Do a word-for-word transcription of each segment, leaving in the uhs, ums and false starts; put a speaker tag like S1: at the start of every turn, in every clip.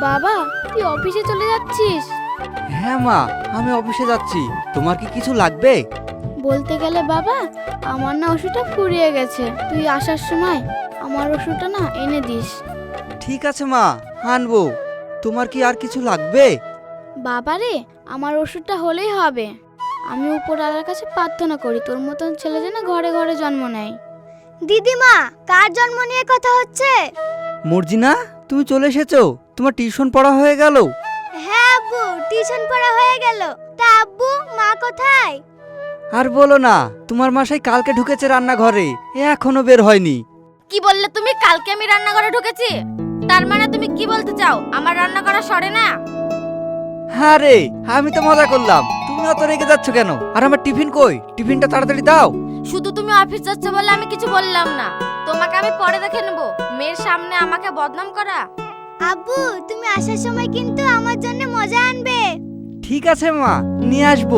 S1: বাবা, তুই অফিসে চলে যাচ্ছিস?
S2: হ্যাঁ মা, আমি অফিসে যাচ্ছি। তোমার কি কিছু লাগবে?
S1: বলতে গেলে বাবা, আমার না ওষুধটা ফুরিয়ে গেছে। তুই আসার সময় আমার ওষুধটা না এনে দিস।
S2: ঠিক আছে মা, আনবো। তোমার কি আর কিছু লাগবে?
S1: বাবা রে, আমার ওষুধটা হলেই হবে। আমি উপরওয়ালার কাছে প্রার্থনা করি তোর মতন ছেলে যেন ঘরে ঘরে জন্ম নেয়।
S3: দিদিমা, কার জন্ম নিয়ে কথা হচ্ছে?
S2: মর্জিনা, তুমি চলে এসেছো? তোমার টিউশন পড়া হয়ে গেল?
S3: হ্যাঁ আব্বু, টিউশন পড়া হয়ে গেল। তা আব্বু, মা কোথায়?
S2: আর বলো না, তোমার মাসাই কালকে ঢুকেছে রান্নাঘরে, এখনো বের হয়নি।
S4: কি বললে তুমি? কালকে আমি রান্নাঘরে ঢুকেছি? তার মানে তুমি কি বলতে চাও আমার রান্না করা সরে না?
S2: হ্যাঁ রে, আমি তো মজা করলাম, তুমি অত রেগে যাচ্ছ কেন? আর আমার টিফিন কই? টিফিনটা তাড়াতাড়ি দাও।
S4: শুধু তুমি অফিস যাচ্ছ বলে আমি কিছু বললাম না। তোমাকে আমি পরে দেখে নেব। মেয়ের সামনে আমাকে বদনাম করা।
S3: আব্বু, তুমি আসার সময় কিন্তু আমার জন্য মজা আনবে।
S2: ঠিক আছে মা, নিয়ে আসবো।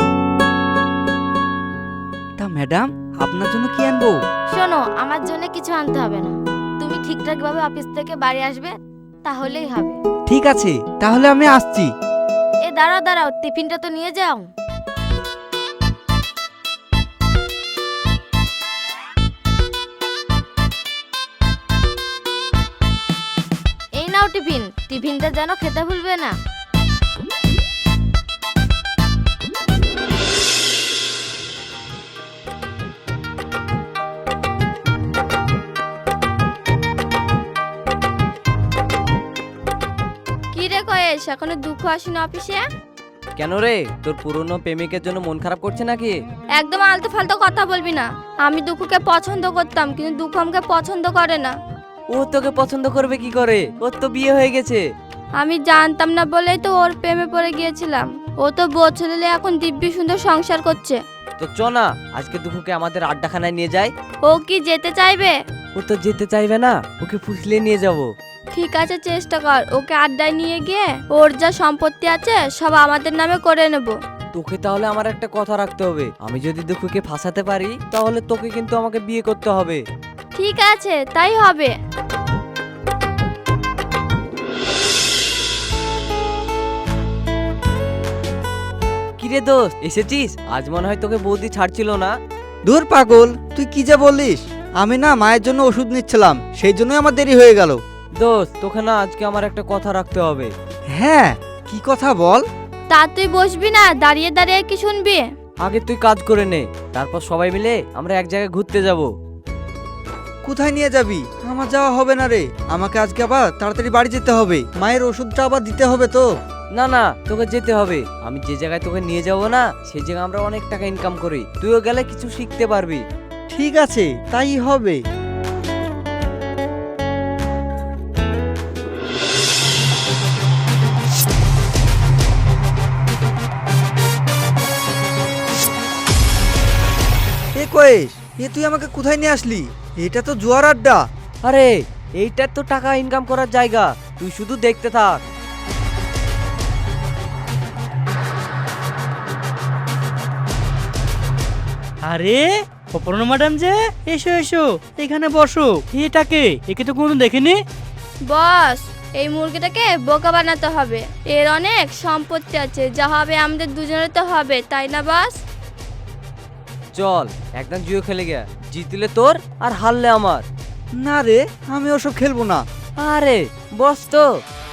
S2: তা ম্যাডাম, আপনার জন্য কি আনবো?
S4: শোনো, আমার জন্য কিছু আনতে হবে না। তুমি ঠিকঠাক ভাবে অফিস থেকে বাড়ি আসবে, তাহলেই হবে।
S2: ঠিক আছে, তাহলে আমি আসছি।
S4: এ দাঁড়াও দাঁড়াও, টিফিনটা তো নিয়ে যাও। এই নাও টিফিন। টিফিনটা যেন খেতে ভুলবে না। কি রে কয়েস, এখনো দুঃখ আসেনি অফিসে?
S5: কেন রে, তোর পুরনো প্রেমিকের জন্য মন খারাপ করছে নাকি?
S4: একদম আলতু ফালতু কথা বলবি না। আমি দুঃখকে পছন্দ করতাম, কিন্তু দুঃখ আমাকে পছন্দ করে না।
S5: ও তোকে পছন্দ করবে কি করে? ওর তো বিয়ে হয়ে গেছে।
S4: আমি জানতাম না বলেই তো ওর প্রেমে পড়ে গিয়েছিলাম। ও তো বছর হলে এখন দিব্যি সুন্দর সংসার করছে।
S5: তো চ না, আজকে দুঃখকে আমাদের আড্ডাখানায় নিয়ে যাই।
S4: ও কি যেতে চাইবে?
S5: ও তো যেতে চাইবে না, ওকে ফুসলে নিয়ে যাব।
S4: ঠিক আছে, চেষ্টা কর। ওকে আড্ডায় নিয়ে গিয়ে ওর যা সম্পত্তি আছে সব আমাদের নামে করে নেব।
S5: তোকে তাহলে আমার একটা কথা রাখতে হবে। আমি যদি দুঃখকে ফাঁসাতে পারি, তাহলে তোকে কিন্তু আমাকে বিয়ে করতে হবে।
S4: ঠিক আছে, তাই হবে।
S5: কিরে দোস্ত, এসেছিস? আজ মনে হয় তোকে বৌদি ছাড়ছিল না।
S2: দূর পাগল, তুই কি যা বলিস? আমি না মায়ের জন্য ওষুধ নিচ্ছিলাম, সেই জন্যই আমার দেরি হয়ে গেল।
S5: দোস্ত, তোকে না আজকে আমার একটা কথা রাখতে হবে।
S2: হ্যাঁ, কি কথা বল?
S4: তা তুই বসবি না, দাঁড়িয়ে দাঁড়িয়ে কি শুনবি?
S5: আগে তুই কাজ করে নে, তারপর সবাই মিলে আমরা এক জায়গায় ঘুরতে যাব।
S2: কোথায় নিয়ে যাবি? আমার যাওয়া হবে না রে, আমাকে আজকে আবার তাড়াতাড়ি বাড়ি যেতে হবে। মায়ের ওষুধটা আবার দিতে হবে তো।
S5: না না, তোকে যেতে হবে। আমি যে জায়গায় তোকে নিয়ে যাব না, সেই জায়গায় আমরা অনেক টাকা ইনকাম করি। তুইও গেলে কিছু শিখতে পারবি।
S2: ঠিক আছে, তাই হবে। এ কয়েস, এ তুই আমাকে কোথায় নিয়ে আসলি? এটা তো জুয়ার আড্ডা।
S5: আরে, এইটার তো টাকা ইনকাম করার জায়গা, তুই শুধু দেখতে থাক।
S6: আরে অপর্ণা ম্যাডাম যে, এসো এসো, এখানে বসো। এটাকে, একে তো কোনোদিন দেখিনি।
S4: বস, এই মুরগিটাকে বোকা বানাতে হবে। এর অনেক সম্পত্তি আছে, যা হবে আমাদের দুজনের তো হবে, তাই না বস?
S5: চল একদম জুয়ো খেলে গিয়া, জিতলে তোর আর হারলে আমার।
S2: না রে, আমি ওসব খেলবো না।
S5: আরে বস তো।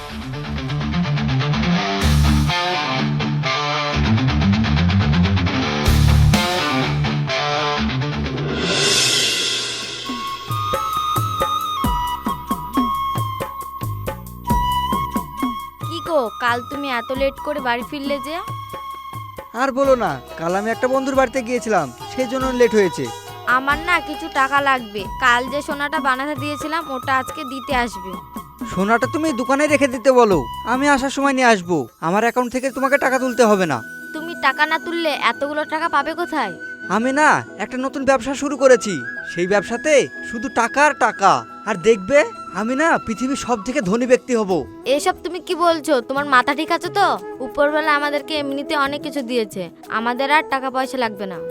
S4: কি গো, কাল তুমি এত লেট করে বাড়ি ফিরলে যে?
S2: আর বলো না, কাল আমি একটা বন্ধুর বাড়িতে গিয়েছিলাম, সেই জন্য লেট হয়েছে।
S4: আমার না কিছু টাকা লাগবে। কাল যে সোনাটা বানাতে দিয়েছিলাম ওটা আজকে দিতে আসবে।
S2: সোনাটা তুমি দোকানে রেখে দিতে বলো, আমি আসার সময় নিয়ে আসবো। আমার অ্যাকাউন্ট থেকে তোমাকে টাকা তুলতে হবে না।
S4: তুমি টাকা না তুললে এতগুলো টাকা পাবে কোথায়?
S2: আমি না একটা নতুন ব্যবসা শুরু করেছি, সেই ব্যবসাতে শুধু টাকা আর টাকা। আর দেখবে, আমি না পৃথিবীর সব থেকে ধনী ব্যক্তি হব।
S4: এসব তুমি কি বলছো? তোমার মাথা ঠিক আছে তো? উপরবেলা আমাদেরকে এমনিতে অনেক কিছু দিয়েছে, আমাদের আর টাকা পয়সা লাগবে না।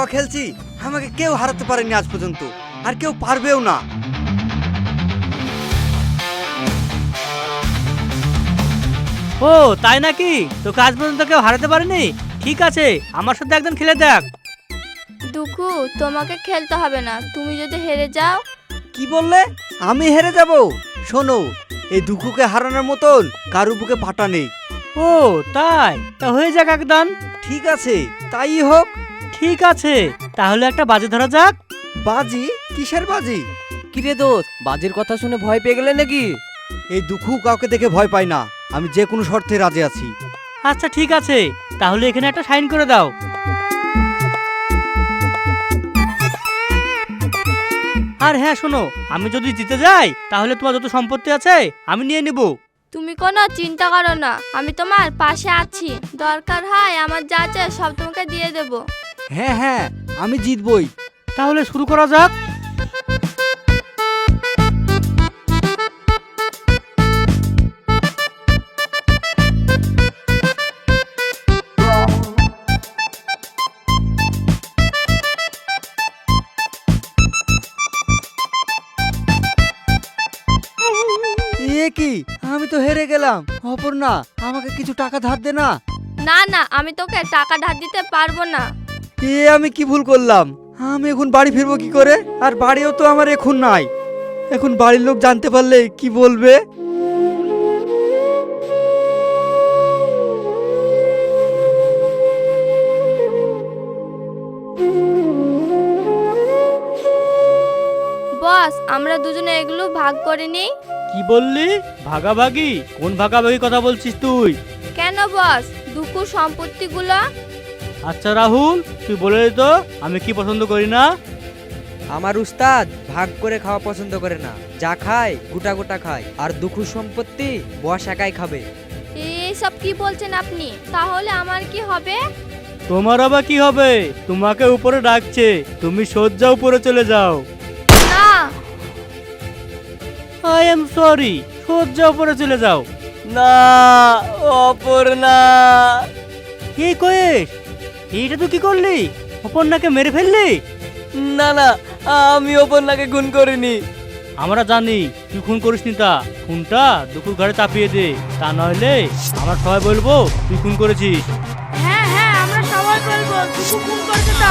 S2: জুয়া খেলছি আমাকে কেউ হারাতে পারেনি আজ পর্যন্ত, আর কেউ পারবেও না।
S6: ও তাই নাকি? তোকে আজ পর্যন্ত কেউ হারাতে পারেনি? ঠিক আছে, আমার সাথে একদিন খেলে দেখ।
S4: দুঃখু, তোমাকে খেলতে হবে না, তুমি যদি হেরে যাও।
S2: কি বললে? আমি হেরে যাব? শোনো, এই দুঃখকে হারানোর মতন কারু বুকে পাটা নেই।
S6: ও তাই? তা হয়ে যাক একদম।
S2: ঠিক আছে, তাই হোক।
S6: ঠিক আছে, তাহলে একটা বাজে ধরা যাক।
S2: বাজি? কিসের বাজি?
S5: কিরে দোস্ত, বাজির কথা শুনে ভয় পেয়ে গেলে নাকি?
S2: এই দুঃখ কাউকে দেখে ভয় পায় না, আমি যে কোনো শর্তে রাজি আছি।
S6: আচ্ছা ঠিক আছে, তাহলে এখানে একটা সাইন করে দাও। আর হ্যাঁ শোনো, আমি যদি জিতে যাই তাহলে তোমার যত সম্পত্তি আছে আমি নিয়ে নিব।
S4: তুমি কোনো চিন্তা করো না, আমি তোমার পাশে আছি। দরকার হয় আমার যা আছে সব তোমাকে দিয়ে দেব।
S2: হ্যাঁ হ্যাঁ, আমি জিতবই।
S6: তাহলে শুরু করা যাক।
S2: এ কি, আমি তো হেরে গেলাম। অপর্ণা, আমাকে কিছু টাকা ধার দে না।
S4: না না, আমি তোকে টাকা ধার দিতে পারবো না।
S2: এ আমি কি ভুল করলাম? আমি এখন বাড়ি ফিরবো কি করে? আর বাড়িও তো আমার এখন নাই। এখন বাড়ির লোক জানতে পারলে কি বলবে?
S4: বস, আমরা দুজনে এগুলো ভাগ করে নিই।
S6: কি বললি? ভাগাভাগি? কোন ভাগাভাগি কথা বলছিস তুই?
S4: কেন বস, দুঃখু সম্পত্তিগুলো?
S6: আচ্ছা রাহুল, তুই বলে দে তো আমি কি পছন্দ করি না।
S5: আমার উস্তাদ ভাগ করে খাওয়া পছন্দ করে না, যা খায় গোটা গোটা খায়, আর দুঃখ সম্পত্তি বস একাই খাবে।
S4: এইসব কি বলছেন আপনি? তাহলে আমার কি হবে?
S6: তোমার আবার কি হবে? তোমাকে উপরে ডাকছে, তুমি সজ্জা উপরে চলে যাও।
S4: না।
S6: আই এম সরি, সজ্জা উপরে চলে যাও।
S5: না অপর্ণা।
S6: কি কইস? এইটা তুই কি করলি? অপর্ণাকে মেরে ফেললি?
S5: না না, আমি অপর্ণাকে খুন করিনি।
S6: আমরা জানি তুই খুন করিসনি, তা খুনটা দুপুর ঘরে চাপিয়ে দে, তা নইলে আমরা সবাই বলবো তুই খুন করেছিস।
S4: হ্যাঁ হ্যাঁ, আমরা সবাই বলবো দুঃখু খুন করেছে। তা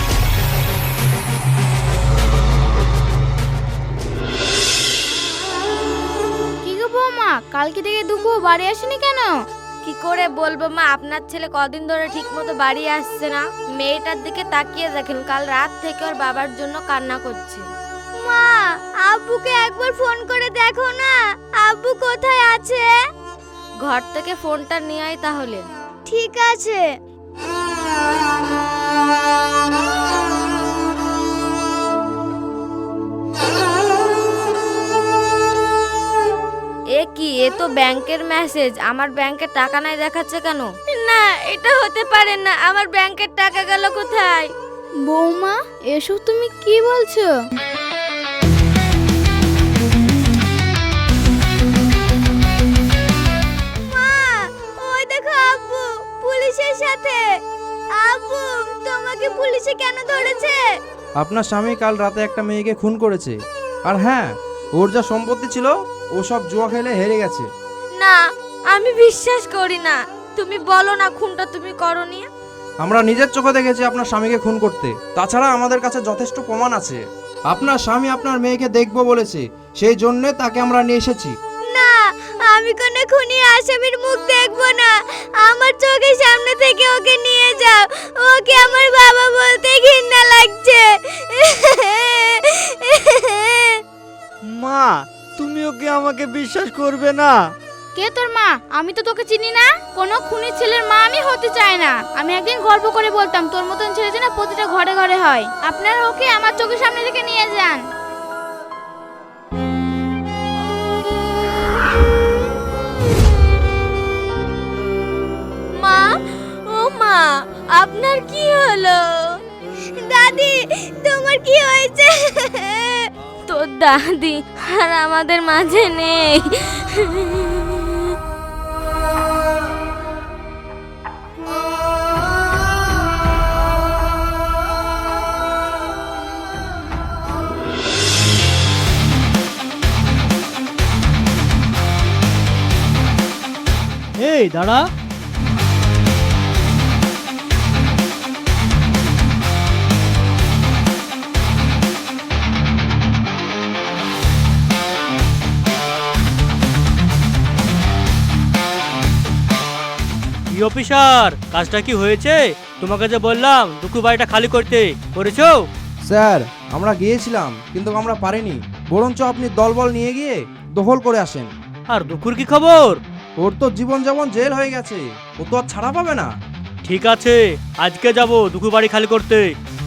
S1: কি গো বৌমা, কালকে থেকে দুঃখু বাড়ি আসেনি কেন?
S4: কি করে বলবো মা, আপনার ছেলে কদিন ধরে ঠিক মতো বাড়ি আসছে না। মেয়েটার দিকে তাকিয়ে দেখেন, কাল রাত থেকে ওর বাবার জন্য কান্না করছে।
S3: মা, আব্বুকে একবার ফোন করে দেখো না, আব্বু কোথায় আছে?
S4: ঘর থেকে ফোনটা নিয়ে আয় তাহলে।
S3: ঠিক আছে।
S4: এ কি, এ তো ব্যাংকের মেসেজ। আমার ব্যাংকে টাকা নাই দেখাচ্ছে কেন? না, এটা হতে পারে না। আমার ব্যাংকের টাকা গেল কোথায়?
S1: বৌমা, এসব তুমি কি বলছো?
S3: মা, ওই দেখো আব্বু পুলিশের সাথে। আব্বু, তোমাকে পুলিশে কেন ধরেছে?
S7: আপনার স্বামী কাল রাতে একটা মেয়েকে খুন করেছে। আর হ্যাঁ, ওর যা সম্পত্তি ছিল ও সব জুয়া খেলে হেরে গেছে।
S4: না, আমি বিশ্বাস করি না। তুমি বলো না খুনটা তুমি করনি।
S7: আমরা নিজের চোখে দেখেছি আপনার স্বামীকে খুন করতে। তাছাড়া আমাদের কাছে যথেষ্ট প্রমাণ আছে। আপনার স্বামী আপনার মেয়েকে দেখবো বলেছে, সেই জন্য তাকে আমরা নিয়ে এসেছি।
S3: না, আমি কোনো খুনি আসামির মুখ দেখবো না। আমার চোখের সামনে থেকে ওকে নিয়ে যাও। ওকে আমার বাবা বলতে ঘৃণা লাগছে।
S2: মা, তুমি ওকে আমাকে বিশ্বাস করবে না?
S1: কে তোর মা? আমি তো তোকে চিনি না। কোনো খুনি ছেলের মা আমি হতে চাই না। আমি একদিন গল্প করে বলতাম তোর মতন ছেলে যেন প্রতিটা ঘরে ঘরে হয়। আপনারা ওকে আমার চোখের সামনে থেকে নিয়ে যান।
S4: মা, ও মা, আপনার কি হলো?
S3: দাদি, তোমার কি হয়েছে?
S4: তোর দাদি আর আমাদের মাঝে নেই।
S6: এই দাঁড়া। কি অফিসার, কাজটা কি হয়েছে? তোমাকে যে বললাম দুঃখু বাড়িটা খালি করতে, করেছো?
S7: স্যার আমরা গিয়েছিলাম কিন্তু আমরা পারিনি, বরঞ্চ আপনি দলবল নিয়ে গিয়ে দখল করে আসেন।
S6: আর দুঃখুর কি খবর?
S7: ওর তো জীবন যেমন জেল হয়ে গেছে, ও তো আর ছাড়া পাবে না।
S6: ঠিক আছে, আজকে যাব দুঃখু বাড়ি খালি করতে।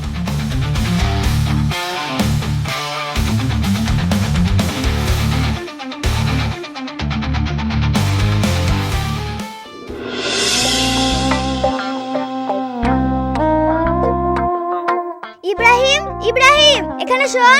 S3: ইব্রাহিম, ইব্রাহিম এখানে শোন।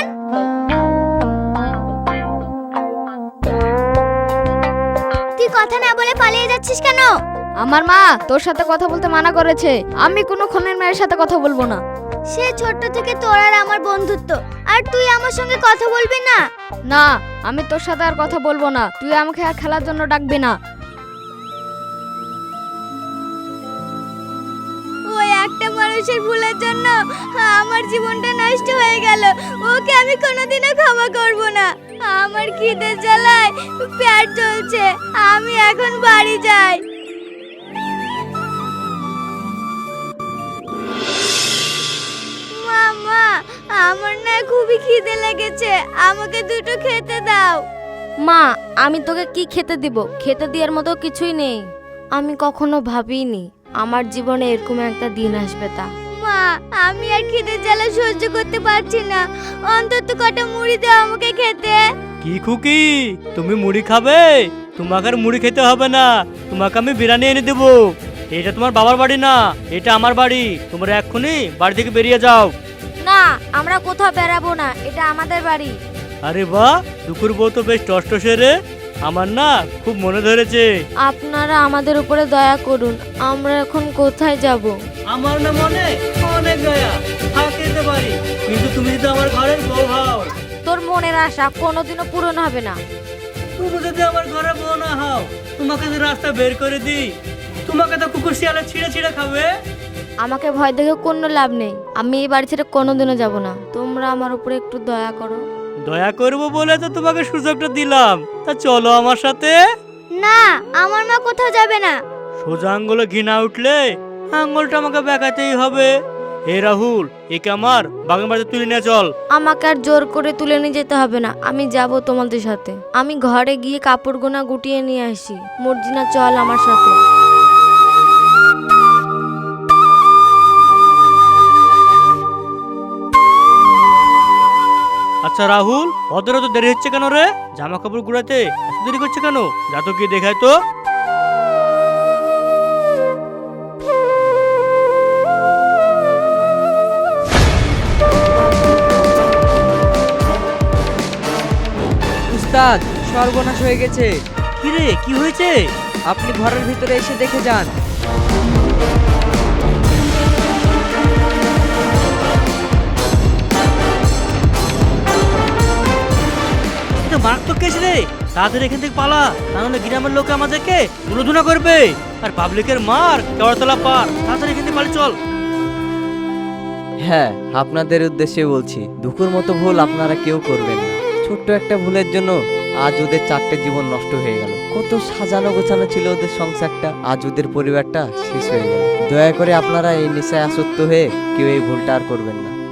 S3: তুই কথা না বলে পালিয়ে যাচ্ছিস কেন?
S4: আমার মা তোর সাথে কথা বলতে মানা করেছে, আমি কোনো খুনের মেয়ের সাথে কথা বলবো না।
S3: সে ছোট্ট থেকে তোর আর আমার বন্ধুত্ব, আর তুই আমার সঙ্গে কথা বলবি না?
S4: না, আমি তোর সাথে আর কথা বলবো না, তুই আমাকে আর খেলার জন্য ডাকবি না।
S3: ওই একটা মানুষের ভুলের জন্য আমার জীবনটা নষ্ট হয়ে গেল, ওকে আমি কোনোদিনও ক্ষমা করব না। আমার খিদের জ্বালায় পেট চলছে, আমি এখন বাড়ি যাই। মামা, আমার না খুবই খিদে লেগেছে, আমাকে দুটো খেতে দাও।
S4: মা, আমি তোকে কি খেতে দিব? খেতে দেওয়ার মতো কিছুই নেই। আমি কখনো ভাবিনি আমার জীবনে এরকম একটা দিন আসবে তা।
S3: মা, আমি আর খিদের জ্বালা সহ্য করতে পারছি না, অন্তত কটা মুড়ি দাও আমাকে খেতে।
S6: কি খুকি, তুমি মুড়ি খাবে? তোমাকে আর মুড়ি খেতে হবে না, তোমাকে আমি বিরিয়ানি এনে দেবো। এটা তোমার বাবার বাড়ি না, এটা আমার বাড়ি। তোমরা এক্ষুনি বাড়ি থেকে বেরিয়ে যাও।
S4: না, আমরা কোথাও বেরাবো না, এটা আমাদের বাড়ি।
S6: আরে বাহ, দুপুর বউ তো বেশ টসটসে রে, আমার না খুব মনে ধরেছে।
S4: আপনারা আমাদের উপরে দয়া করুন, আমরা এখন কোথায় যাব?
S6: আমার না মনে অনেক দয়া, থাকতে পারি, কিন্তু তুমি তো আমার ঘরের বউ হও।
S4: তোর মনের আশা কোনোদিনও পূরণ হবে না।
S6: তুমি যদি আমার ঘরে বউ না হও, তোমাকে তো রাস্তা বের করে দিই, তোমাকে তো কুকুর শিয়ালে ছিঁড়ে ছিঁড়ে খাবে।
S4: আমাকে ভয় দেখে কোনো লাভ নেই, আমি এই বাড়ি ছেড়ে কোনোদিনও যাব না। তোমরা আমার উপরে একটু দয়া করো।
S6: দয়া করবো বলে তো তোমাকে সুযোগটা দিলাম, তা চলো আমার সাথে।
S3: না, আমার মা কোথাও যাবে না।
S6: সোজা আঙ্গুলে ঘৃণা উঠলে আঙ্গুলটা আমাকে বেঁকাতেই হবে। হে রাহুল, একে আমার বাগান বাড়িতে তুলে নিয়ে চল।
S4: আমাকে আর জোর করে তুলে নিয়ে যেতে হবে না, আমি যাব তোমাদের সাথে। আমি ঘরে গিয়ে কাপড় গোনা গুটিয়ে নিয়ে আসি। মর্জিনা, চল আমার সাথে।
S6: আচ্ছা রাহুল, ওদের তো দেরি হচ্ছে কেন রে? জামা কাপড় গুড়াতে এত দেরি করছে কেন? যা তো গিয়ে দেখায় তো।
S5: উস্তাদ, সর্বনাশ হয়ে গেছে।
S6: কি রে, কি হয়েছে?
S5: আপনি ঘরের ভিতরে এসে দেখে যান।
S6: এটা মারাত্মক কেস রে, তাড়াতাড়ি এখান থেকে পালা, তাহলে গ্রামের লোক আমাদেরকে গুলোধুনা করবে, আর পাবলিকের মার কেওড়াতলা পার। তাড়াতাড়ি এখান থেকে পালিয়ে চল।
S8: হ্যাঁ, আপনাদের উদ্দেশ্যে বলছি, দুঃখের মতো ভুল আপনারা কেউ করবেন না। ছোট্ট একটা ভুলের জন্য আজ ওদের চারটে জীবন নষ্ট হয়ে গেল। কত সাজানো গোছানো ছিল ওদের সংসারটা, আজ ওদের পরিবারটা শেষ হয়ে গেল। দয়া করে আপনারা এই নেশায় আসক্ত হয়ে কেউ এই ভুলটা আর করবেন না।